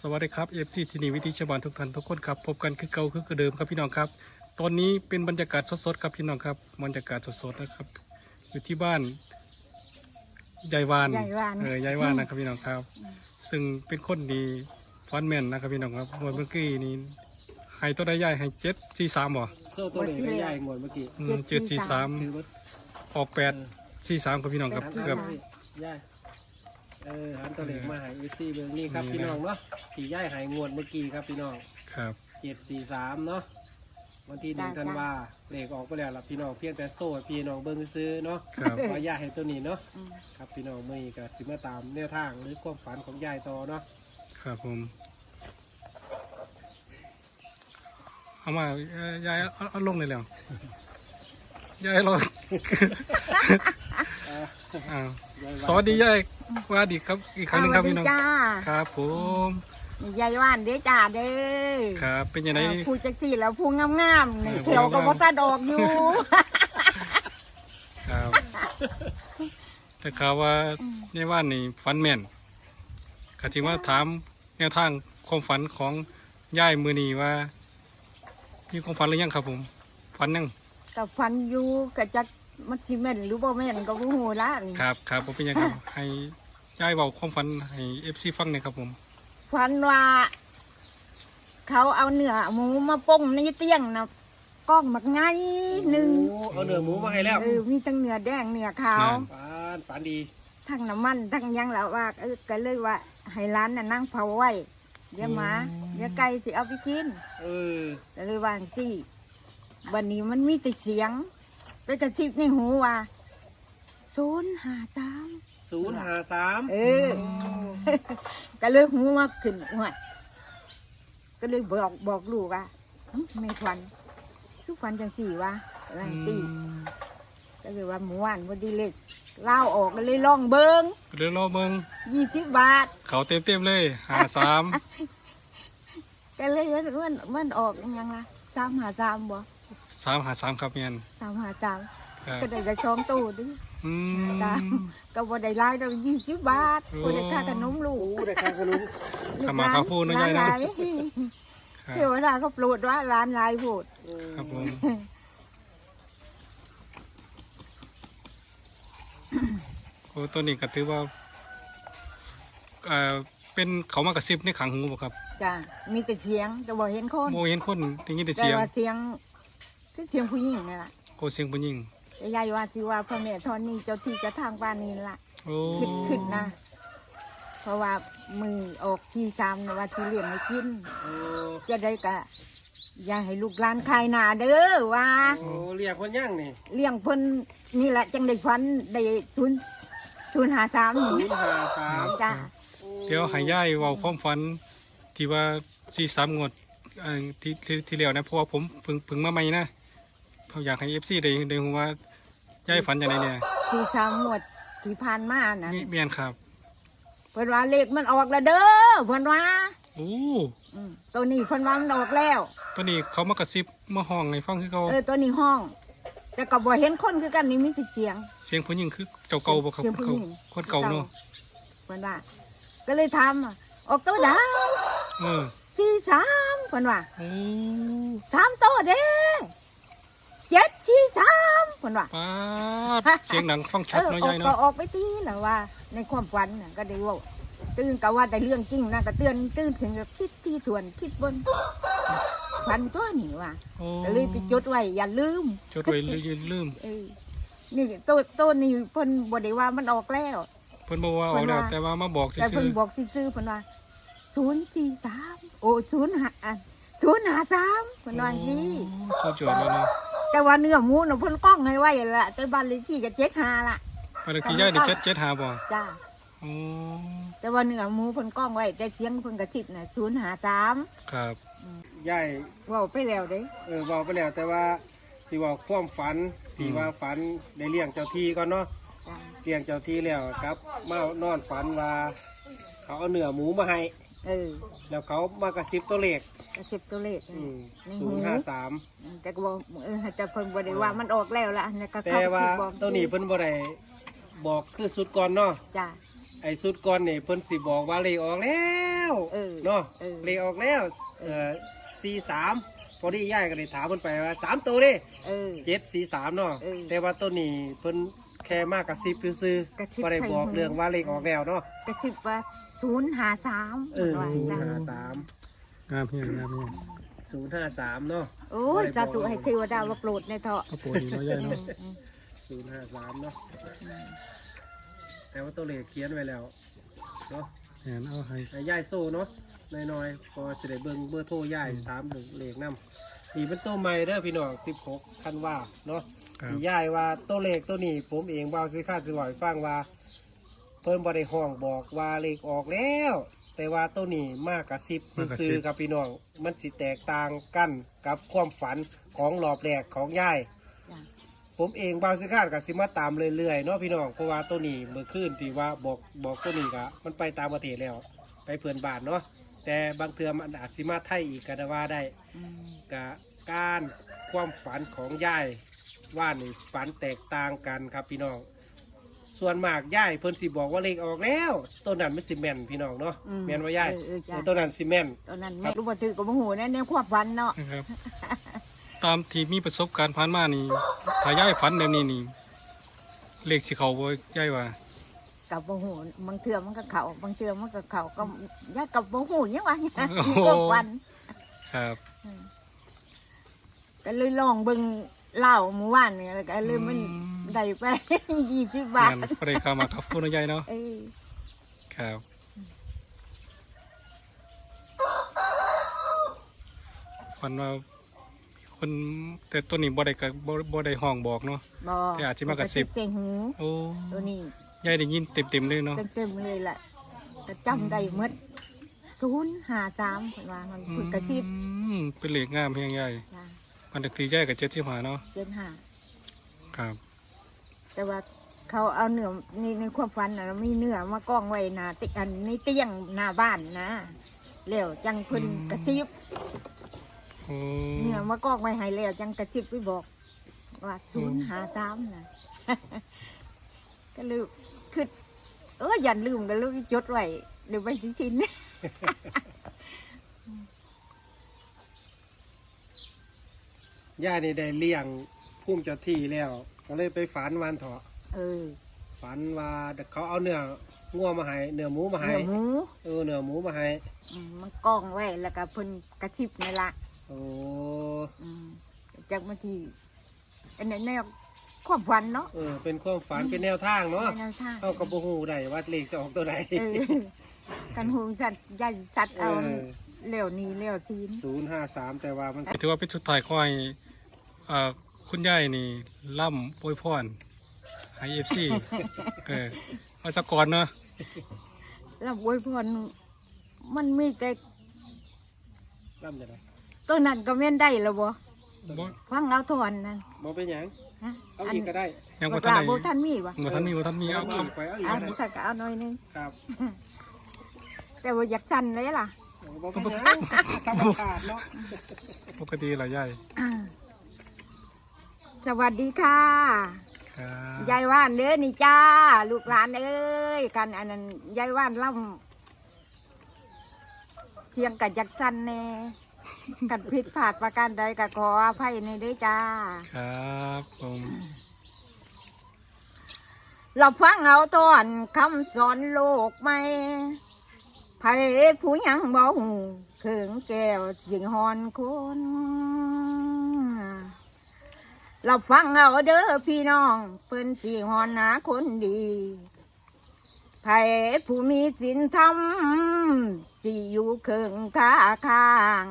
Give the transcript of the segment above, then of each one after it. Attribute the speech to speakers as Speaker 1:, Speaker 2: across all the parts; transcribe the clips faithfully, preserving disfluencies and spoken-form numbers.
Speaker 1: สวัสดีครับเอฟซีที่นี่วิธีชาวบ้านทุกท่านทุกคนครับพบกันคือเก่าคือเดิมครับพี่น้องครับตอนนี้เป็นบรรยากาศสดๆครับพี่น้องครับบรรยากาศสดๆนะครับอยู่ที่บ้านยายวาน
Speaker 2: ยายวาน
Speaker 1: เออยายวานนะครับพี่น้องครับ ซึ่งเป็นคนดีฟันแมนนะครับพี่น้องครับเมื่อกี้นี้ให้ตัวได้ใหญ่ให้เจ็ดสี่สามบ่
Speaker 3: โซ่ตัวเหล็กไม่ใหญ่หมดเมื่อกี้
Speaker 1: เจ็ดสี่สาม
Speaker 3: ถือว่า
Speaker 1: ออกแปดสี่สามครับพี่น้องครับ
Speaker 3: หัน
Speaker 1: เกือบ
Speaker 3: มาใหญ่เออหันตัวเหล็กมาหายอีซี่เบอร์นี่ครับพี่น้องเนาะตีใหญ่หายงวดเมื่อกี้ครับพี่น้อง
Speaker 1: ครับ
Speaker 3: เจ็ดสี่สามเนาะวันที่หนึ่งธันวาเหล็กออกไปแล้วล่ะพี่น้องเพียงแต่โซ่พี่น้องเบิ้งซื้อเนาะ
Speaker 1: ครับ
Speaker 3: ว่าใหญ่ให้ตัวนี้เนาะ
Speaker 2: อืม
Speaker 3: ครับพี่น้องเมื่อนี้ก็สิมาตามแนวทางหรือความฝันของยายต่อเนาะ
Speaker 1: ครับผมเอามาเอ่อยายเอาเอาลงเลยแล้วยายรอ
Speaker 3: อ่า
Speaker 1: อ้าว
Speaker 3: ยาย
Speaker 1: สวัสดียายสวัสดีครับอีกครั้งหนึงครับพี่น้อง
Speaker 2: จ้า
Speaker 1: ครับผม
Speaker 2: ยายว่านเด้อจ้าเด้อ
Speaker 1: ครับเป็นยังไง
Speaker 2: เออพูดจักสี่แล้วพูงงามๆนี่
Speaker 1: เออ
Speaker 2: เขียวก็
Speaker 1: พูงงามๆ
Speaker 2: บ่ตัดออกอยู่
Speaker 1: ครับแต่ข่าวว่าในว่านนี่ฝันแม่นข้าจึงว่าถามแนวทางความฝันของยายมือนีว่ามีความฝันหรือยังครับผมฝันยัง
Speaker 2: กับฟันอยู่กับจักมันสิแม่นหรือบ่แม่นก็บ่ฮู้ละนี่
Speaker 1: ครับครับผมเป็นยังครับ ให้ยายเบาความฝันให้เอฟซีฟังหน่อยครับผม
Speaker 2: ฟันว่า เขาเอาเนื้อหมูมาป้งในเตียงนะกล้องมักไงหนึ่ง
Speaker 3: โอ้เอาเนื้อหมูมาให้แล้ว
Speaker 2: เออมีทั้งเนื้อแดงเนื้อขาว
Speaker 3: ฝันฝันดี
Speaker 2: ทั้งน้ำมันทั้งหยังแล้วว่าเออก็เลยว่าให้ร้านน่ะนั่งเผาไว้เดี๋ยวหมาเดี๋ยวไก่สิเอาไปกิน
Speaker 3: เออ
Speaker 2: ก็เลยวาจั่งสิวันนี้มันมีแต่เสียงไปกระซิบในหูว่าศูนย์ห้าสาม
Speaker 3: ศูนย์ห้าสาม
Speaker 2: เออ ก็เลยหูมาขึ้นหัวก็เลยบอกบอกลูกว่าหึไม่ควันทุกควันจังสี่วะอะไรตีก็เลยว่าหมูหวานพอดีเล็กเล่าออกก็เลยลองเบิง
Speaker 1: เดี๋ยวรอเบิ่ง
Speaker 2: ยี่สิบบาท
Speaker 1: เขาเต็มเต็มๆเลยหาสาม
Speaker 2: ก็เลยว่ามันมันออกยังละสามหาสามบ่
Speaker 1: สามหาสามครับเมียน
Speaker 2: สามหาสาม
Speaker 1: ครับ
Speaker 2: ก็ได้จะช่องตู้ดิ
Speaker 1: อื
Speaker 2: ตาม
Speaker 1: ม
Speaker 2: ก็บ่ได้รายเรายี่สิบบาท
Speaker 1: โอ้
Speaker 2: บ่ได้ค่าขนมลู
Speaker 3: โอ้
Speaker 2: ก
Speaker 3: ได้ค่าขนม
Speaker 1: ทำมาข้าวพูดนะยายนะ
Speaker 2: ร้หล
Speaker 1: ครับ
Speaker 2: เทวดาก็โปรดว่าร้านหลายโพด
Speaker 3: เออ
Speaker 1: ครับผม โอ้ตัวนี้ก็ถือว่าเอ่อเป็นเขามากระซิบในขังหูบ่ครับ
Speaker 2: จ้ะมีแต่เสียงแต่บ่เห็นคน
Speaker 1: โมเห็นคนได้ยินแต่
Speaker 2: แต่
Speaker 1: เสียง
Speaker 2: ว่าเสียงคือเสียงผู้หญิงนี่ล่ะ
Speaker 1: โกเสียงผู้หญิง
Speaker 2: แต่ยายว่าสิว่าพ่อแม่ทอนนี่เจ้าที่เจะทางบ้านนี่ล่ะ
Speaker 1: โอ้
Speaker 2: คิดขึ้นนะ เพราะว่ามือออกที่สามนะว่าที่เลี้ยงให้กิน
Speaker 3: โอ้
Speaker 2: จะได้กะอย่าให้ลูกหลานคายหนาเด้อว่า
Speaker 3: โอ้เรียกคนย่างนี่
Speaker 2: เลี้ยงเพิ่นนี่แหละจังได้ฟันได้ทุนทุนหาสาม
Speaker 3: ศู
Speaker 2: นี่
Speaker 3: นย์ห้าสาม
Speaker 2: จ้า
Speaker 1: เดี๋ยวให้ย่ายเว้าความฝันที่ว่าสี่สามงวดเอ่อที่ที่ที่แล้วนะเพราะว่าผมเพิ่งเพิ่งมาใหม่นะผมอยากให้เอฟซีได้ได้รู้ว่าย่ายฝันอย่างไรเนี่ย
Speaker 2: ที่สามหมวดที่ผ่านมานะ
Speaker 1: มีเมียนครับ
Speaker 2: เพิ่นว่าเลขมันออกแล้วเด้อเพิ่นว่า
Speaker 1: โอ้
Speaker 2: อืมตัวนี้เพิ่นว่ามันออกแล้ว
Speaker 1: ตัวนี้เขามากระซิบมาห้องในฟังคือเขา
Speaker 2: เออตัวนี้ห้อง แต่ก็บ่เห็นคนคือกันนี่มีแต่เสียง
Speaker 1: เสียงผู้หญิงคือเจ้าเก่าบ่ครับ
Speaker 2: เสียงผู้หญิง
Speaker 1: คนเก่าเนาะ
Speaker 2: เพิ่นว่า ก็เลยทำอะออกตัวดาว
Speaker 1: เออ
Speaker 2: สี่สามเพิ่นว่า
Speaker 1: โอ้
Speaker 2: สามตัวเด้เจ็ดสี่สามเพิ่นว่า
Speaker 1: ป้าดเสียงดังฟัง
Speaker 2: เอ
Speaker 1: ชัด
Speaker 2: อ
Speaker 1: เนาะ
Speaker 2: ออก
Speaker 1: ยาย
Speaker 2: ก็
Speaker 1: เนาะ
Speaker 2: ออกไปทีแหละว่า ในความฝันน่ะก็ได้เว่าตื่นก็ว่าแต่เรื่องจริงนะก็เตือนตื่นถึงกับคิดที่ส่วนคิดบนฝันตัวนี่ว่า
Speaker 1: โอ้
Speaker 2: ก็เลยไปจดไว้อย่าลืม
Speaker 1: จดไว้ลืมลืม
Speaker 2: เออนี่ตัวตัวนี่เพิ่นบ่ได้ว่ามันออกแล้ว
Speaker 1: เพิ่นบอกว่าเอาแล้วแต่ว่ามาบอก
Speaker 2: แต่
Speaker 1: ซื่
Speaker 2: เพิ่น
Speaker 1: อ
Speaker 2: บอกซื่อๆเพิ่นว่าศูนย์สี่สามโอ้ศูนย์ห้าศูนย์ห้าสามเพิ่นว่าอย่างนี้
Speaker 1: สุดยอดเลยเนาะ
Speaker 2: แต่ว่าเนื้อหมูน่ะเพิ่นกล้องให้ไว้ละแต่บ้านเลขที่ก็เจ็ดห้าละ
Speaker 1: อันนี้คือย่ายได้เจ็ดเจ็ดหาบ่
Speaker 2: จ้า
Speaker 1: โอ้
Speaker 2: แต่ว่าเนื้อหมูเพิ่นกล้องไว้แต่เสียงเพิ่นกระซิบน่ะศูนย์ห้าสาม
Speaker 1: ครับ
Speaker 3: ย่าย
Speaker 2: เว้าไปแล้วเด้
Speaker 3: เออบอกไปแล้วแต่ว่าที่ว่าความฝันที่ว่าฝันได้เลี้ยงเจ้าที่ก่อนเนาะ
Speaker 2: จ้า
Speaker 3: เลี้ยงเจ้าที่แล้วครับมานอนฝันว่า เขาเอาเนื้อหมูมาให้
Speaker 2: เออ
Speaker 3: แล้วเขามากระซิบตัวเลข
Speaker 2: กระซิบตัวเลข
Speaker 3: ศูนย์ห้าสาม
Speaker 2: แต่ก็บอกเออแต่เพิ่นบ่ได้ว่ามันออกแล้วล่ะแล้วก็
Speaker 3: แต่
Speaker 2: เข้าไป
Speaker 3: ว่า
Speaker 2: คิดบอก
Speaker 3: ตัวนี้เพิ่นบ่ได้บอกคือสุดก่อนเนาะ
Speaker 2: จ้า
Speaker 3: ไอ้สุดก่อนนี่เพิ่นสิบอกว่าเลขออกแล้ว
Speaker 2: เออ
Speaker 3: เนาะ
Speaker 2: เออ
Speaker 3: เลขออกแล้วเอ่อสี่สามพอดีย่ายก็เลยถามเพิ่นไปว่าสามตัวเด้
Speaker 2: เออ
Speaker 3: เจ็ดสี่สามเนาะ
Speaker 2: เออ
Speaker 3: แต่ว่าตัวนี้เพิ่นแค่มากกับซิบซื่อก
Speaker 2: ระซิบ
Speaker 3: ๆบ่ได้บอก
Speaker 2: ใส่หู
Speaker 3: เรื่องว่าเลขออกแล้วเนาะ
Speaker 2: กระซิบว่าศูนย์หาสาม
Speaker 3: เออ
Speaker 2: ว่า
Speaker 3: ศูนย์
Speaker 2: จ้ะ
Speaker 3: ห้าสาม
Speaker 1: งามเฮียงามเฮียง
Speaker 3: ศูนย์ห้าสามเนาะ
Speaker 2: โอ้ยสาธุให้เทวดาว่าโปรดในเถาะ
Speaker 1: ก็ปวดดีเนาะยาย
Speaker 2: อื
Speaker 1: เนาะ
Speaker 2: มอืม
Speaker 3: ศูนย์ห้าสามเนาะแต่ว่าตัวเลขเขียนไว้แล้วเนาะ
Speaker 1: แหนเอาให้
Speaker 3: ให้ย่ายโซ่เนาะน้อยๆพอจะได้เบิ่งเบอร์โทรย่ายถามหนึ่งเลขนำนี่เป็นตัวใหม่เด้อพี่น้องสิบหกคันว่าเนาะ
Speaker 1: ครับ
Speaker 3: ที่ย่ายว่าตัวเลขตัวนี้ผมเองเบาสิค่าสิบ่อยฟังว่า เพิ่นบ่ได้ห้องบอกว่าเลขออกแล้ว แต่ว่าตัวนี้มากกับสิบซื่อๆครับพี่น้องมันสิแตกต่างกันกับความฝันของรอบแรกของย่าย
Speaker 2: จ้ะ
Speaker 3: ผมเองบางสิคาดกับสิมาตามเรื่อยๆเนาะพี่น้องเพราะว่าตัวนี้เมื่อคืนที่ว่าบอกบอกตัวนี้กะมันไปตามประเทศแล้ว ไปเพื่อนบ้านเนาะแต่บางเทือมันอาจสิมาไทยอีกก็ได้ว่าได้
Speaker 2: อืม
Speaker 3: กะการความฝันของยายว่านี่ฝันแตกต่างกันครับพี่น้อง ส่วนมากยายเพิ่นสิบอกว่าเลขออกแล้วต้นนั้นมันสิแม่นพี่น้องเนาะ
Speaker 2: อื
Speaker 3: แม่นว่ายาย
Speaker 2: เออเออจ้ะ
Speaker 3: ต้นนั้นสิแม่น
Speaker 2: ตอนนั้นแม่รู้บ่ถือกับบ่ฮู้นะในความฝันเนาะ
Speaker 1: นะครับ ตามที่มีประสบการณ์ผ่านมานี่ถ้ายายฝันแบบนี้นี่เลขสิเขาบ่ยายว่า
Speaker 2: กับบ่ฮู้บางเทื่อมันก็เข้าบางเทื่อมันก็เข้าก็ยายกับบ่ฮู้หยังว่า
Speaker 1: โอ้โห
Speaker 2: ความฝัน
Speaker 1: ครับ
Speaker 2: อืมก็เลยลองเบิ่งเหล้าเมื่อวานนี่แล้วก็เลยมันได้ไป ยี่สิบบาท
Speaker 1: งานบ่ได้เข้ามากับคุณยายเนาะ
Speaker 2: เออ
Speaker 1: ครับฝันว่าคนแต่ตัวนี้บ่ได้กับบ่บ่ได้ห้องบอกเนาะ
Speaker 2: บ่
Speaker 1: แต่อาจสิมากระซิบ
Speaker 2: ใส่หู
Speaker 1: โอ้
Speaker 2: ตัวนี้
Speaker 1: ยายได้ยินเต็มๆเลยเนาะ
Speaker 2: เต็มๆเลยแหละก็จำได้หมดศูนย์ห้าสามเพิ่นว่ามันเพิ่นกระซิบ
Speaker 1: อืมเป็นเลขงามเพียงใหญ่
Speaker 2: จ้ะ
Speaker 1: มันเด็กตีใหญ่กับเจ็ดสิบห้าเนาะ
Speaker 2: เจ็ดห้า
Speaker 1: ครับ
Speaker 2: แต่ว่าเขาเอาเนื้อในในความฝันน่ะมีเนื้อมากองไว้หน้าติอันในเตียงหน้าบ้านนะแล้วจังเพิ่นกระซิบ
Speaker 1: โอ้
Speaker 2: เนื้อมากองไว้ให้แล้วจังกระซิบไปบอกว่าศูนย์ห้าสามน่ะ ก็เลยคือเอออย่าลืมกันเลยจดไว้เดี๋ยวไปทิ้งทิ้ง
Speaker 3: ย่านี่ได้เลี้ยงพุ่มเจ้าที่แล้ว ก็เลยไปฝันวันเถาะ
Speaker 2: เออ
Speaker 3: ฝันว่าเขาเอาเนื้องัวมาให้เนื้อหมูมาให้
Speaker 2: เนื้อหมู
Speaker 3: เออเนื้อหมูมาให้
Speaker 2: อืมมันกองไว้แล้วก็เพิ่นกระซิบนี่ละ
Speaker 3: โอ้
Speaker 2: อืมจากมาที่อันนี้แนวความฝันเนาะ
Speaker 3: เออเป็นความฝันเป็นแนวทางเนาะ
Speaker 2: แนวทาง
Speaker 3: เข้ากับโบหูได้ว่าเลขจะออกตัวไหน
Speaker 2: เออกันหูสัตว์ใหญ่สัตว์เอา
Speaker 3: เออ
Speaker 2: เหลวนี้เหลวซีน
Speaker 3: ศูนย์ห้าสามแต่ว่ามัน
Speaker 1: ถือว่าเป็นชุดถ่ายคอยอ่าคุณยายนี่ล่ำโปรยพรให้เอฟซี เออมาสักก่อนเนาะ
Speaker 2: แล้วอวยพรมันมีแต่
Speaker 3: ล่ำจะได
Speaker 2: ตัวนั้นก็แม่นได้แล้วบ่
Speaker 1: บ่
Speaker 2: ฟังเอาทอนนั่น
Speaker 3: มองเป็นหยัง
Speaker 2: ฮะ
Speaker 3: เอาอีกก็ได้
Speaker 1: ยัง
Speaker 2: บ่
Speaker 1: บ่
Speaker 2: ก
Speaker 1: ทัน
Speaker 2: ล้า
Speaker 1: ได้
Speaker 2: บ่ทันมีบ่
Speaker 1: บ่ทันมีบ่ทันมีเอา
Speaker 3: เอา
Speaker 1: เอา
Speaker 3: อีกไปเอาอีก
Speaker 2: อ่า
Speaker 3: ก็ได้
Speaker 2: ถ้าก็เอาหน่อยหนึง
Speaker 3: ครับ
Speaker 2: แต่ว่าอยากสั่นเลยล่ะ
Speaker 3: มองเป็นหยังธรรมชาติเนาะ
Speaker 1: ปกติล่ะยาย
Speaker 2: อ่าสวัสดีค่ะ
Speaker 1: ครับ
Speaker 2: ยายว่านเด้อนี่จ้า ลูกหลานเอ้ยกันอันนั้นยายว่านล่ำเพียงกับจักสันแน่กันผิดพลาดประการใดก็ขออภัยในเด้อจ้า
Speaker 1: ครับผม
Speaker 2: เราฟังเอาตอนคำสอนโลกใหม่ไผผู้ยังบ่หูเขิงแก้วสิงหอนคนเราฟังเอาเด้อพี่น้องเพิ่นสิหอนหาคนดีไผผู้มีศีลธรรมสิอยู่เขิงท่าข้าง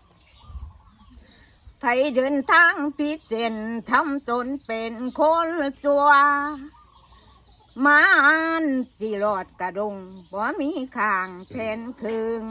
Speaker 2: ไผเดินทางผิดเส้นทำตนเป็นคนสัวมานสิรอดกระดงบ่มีข้างแผ่นคึง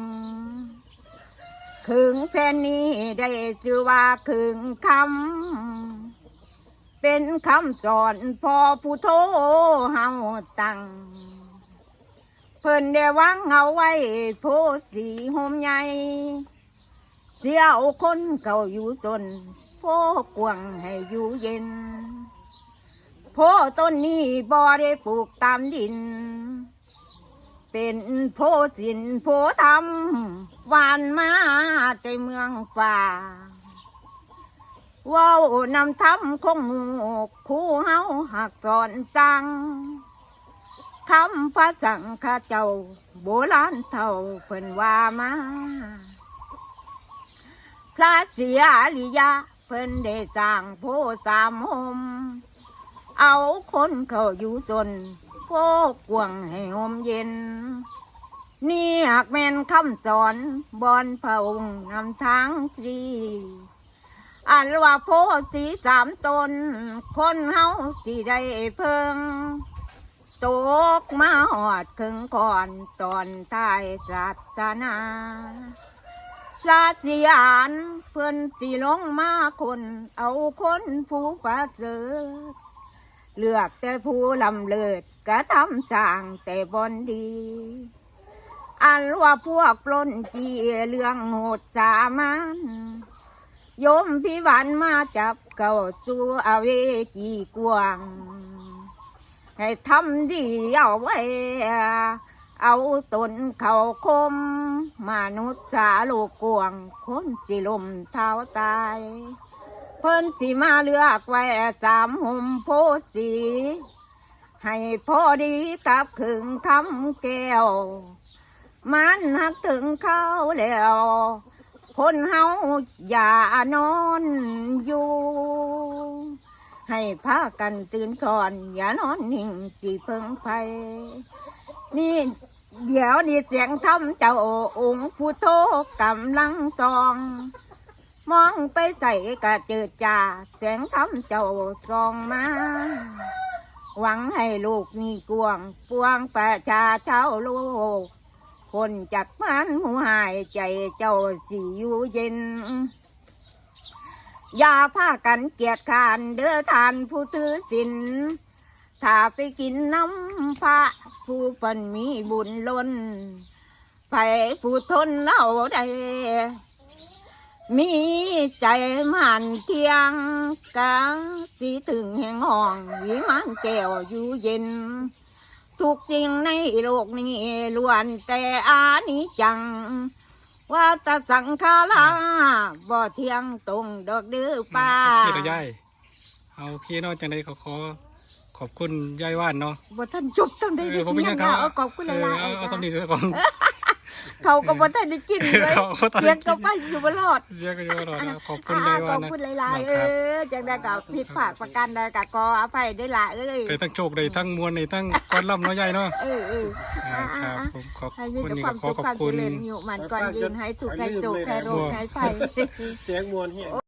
Speaker 2: คึงแผ่นนี้ได้ชื่อว่าคึงคำเป็นคำสอนพ่อผู้โทเฮาตั้งเพิ่นได้วางเอาไว้โพสีโฮมใหญ่เสียเอาคนเก่าอยู่สนโพกวางให้อยู่เย็นโพต้นนี้บ่ได้ปลูกตามดินเป็นโพสินโพธรรมหวานมาแต่เมืองฝ่าว้าวนำทำคงหมู่คู่เฮาหักสอนจังคำพระสังฆเจ้าโบราณเท่าเพิ่นว่ามาพระเสียอริยะเพิ่นได้สร้างโพสามหมเอาคนเข้าอยู่จนโพกวางให้หมเย็นนี่หากแม่นคำสอนบอนพระองค์นำทางตรีอันว่าโพสีสามตนคนเฮาสิได้เพิ่งตกมาหอดถึงก่อนตอนท้ายศาสนาพระสิยานเพิ่นสิลงมาคนเอาคนผู้ประเสริฐเลือกแต่ผู้ลำเลิศกระทำสร้างแต่บอนดี อันว่าพวกปล้นจีเรื่องโหดสามันโยมพิวันมาจับเก่าสู่อเวจีกวางให้ทำดีเอาไว้เอาตนเขาคมมนุษย์สาโลกกวางคนสิลมเท้าตายเพิ่นสิมาเลือกไว้สามหุ่มโพสีให้พอดีกับขึงคำแก้วมันหักถึงเขาแล้วคนเฮาอย่านอนอยู่ให้พากันตื่นก่อนอย่านอนนิ่งสิเพิ่งไปนี่เดี๋ยวนี่เสียงทำเจ้าองค์ผู้โทกำลังซองมองไปใส่กระเจิดจ่าเสียงทำเจ้าซองมาหวังให้ลูกมีกวงปวงประชาชาวโลกคนจากมันหูหายใจเจ้าสิอยู่เย็นอย่าพากันเกียดขานเด้อทานผู้ถือศีลถ้าไปกินน้ำพระผู้เพิ่นมีบุญล้นไปผู้ทนเอาได้มีใจมันเที่ยงกะสิถึงแห่งห้องวิมานแก้วอยู่เย็นทุกสิ่งในโลกนี้ล้วนแต่อานิจจังว่าตสังขาราบ่เที่ยงตรงดอกเดื้อป้า
Speaker 1: โอเคเนาะยายเอาโอเคเนาะจังไดก็ขอขอบคุณยายว่านเนาะ
Speaker 2: บ่ท่านจบต้องได้
Speaker 1: เอ
Speaker 2: ดี
Speaker 1: อผมเป็นยังครับ
Speaker 2: เอาขอบคุณห
Speaker 1: เออ
Speaker 2: ลาย
Speaker 1: เอาเอา
Speaker 2: ๆ
Speaker 1: สำนีเถอะก่อน
Speaker 2: เขาก็บ่ทันได้กินเลย
Speaker 1: เขาก็ทันได้กิน
Speaker 2: เลี้ยงก็ไปอยู่บ่รอด
Speaker 1: เสียก็เยอะหน่อยนะขอบคุณ
Speaker 2: อ่าย
Speaker 1: าย
Speaker 2: ข
Speaker 1: ว่า
Speaker 2: อบ
Speaker 1: นนะ
Speaker 2: คุณหลายๆเออจังได้ก็ผิดพลาดประการใดก็ขออภัยด้วยล่ะเอ้ย
Speaker 1: ได้ทั้งโชคได้ทั้งมวลได้ทั้งก้อนล่ำเนาะยายเนาะ
Speaker 2: เออเออ
Speaker 1: อ่า
Speaker 2: อ่า
Speaker 1: ครับ
Speaker 2: อ่า
Speaker 1: ผมขอบ
Speaker 2: ให้มี
Speaker 1: คุณ
Speaker 2: แต่
Speaker 1: นี่
Speaker 2: ควา
Speaker 1: ก็
Speaker 2: ม
Speaker 1: ขอ
Speaker 2: สุข
Speaker 1: ขอบ
Speaker 2: ความ
Speaker 1: คุ
Speaker 2: เจ
Speaker 1: ณ
Speaker 2: ริญอยู่มันก่อนยืนให้ถูกให้โจกให้โรคให้ไฟ